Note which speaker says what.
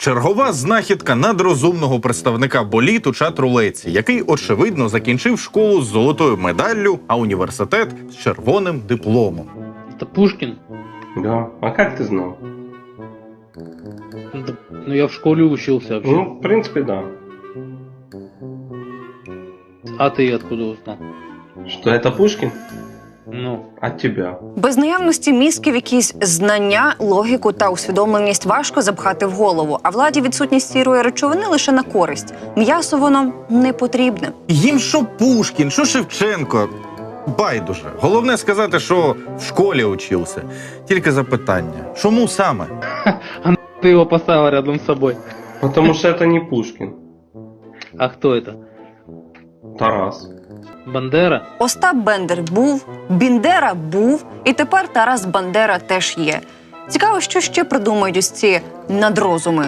Speaker 1: Чергова знахідка надрозумного представника боліт у чат-рулетці, який, очевидно, закінчив школу з золотою медаллю, а університет з червоним дипломом.
Speaker 2: Это Пушкин?
Speaker 3: Да. А как ты знал?
Speaker 2: Да, ну я в школе учился вообще.
Speaker 3: Ну, в принципе, да.
Speaker 2: А ты откуда узнал?
Speaker 3: Что это Пушкин?
Speaker 2: Ну,
Speaker 3: От тебя.
Speaker 4: Без наявності мізків якісь знання, логіку та усвідомленість важко запхати в голову, а владі відсутність сірої речовини лише на користь. М'ясо воно не потрібне.
Speaker 1: Їм що Пушкін, що Шевченко. Байдуже. Головне сказати, що в школі учився. Тільки запитання. Чому саме?
Speaker 2: ты его поставил рядом с собой.
Speaker 3: Потому что это не Пушкин.
Speaker 2: А кто это?
Speaker 3: Тарас.
Speaker 2: Бандера?
Speaker 4: Остап Бендер був, Біндера був, і тепер Тарас Бандера теж є. Цікаво, що ще придумають ось ці надрозуми.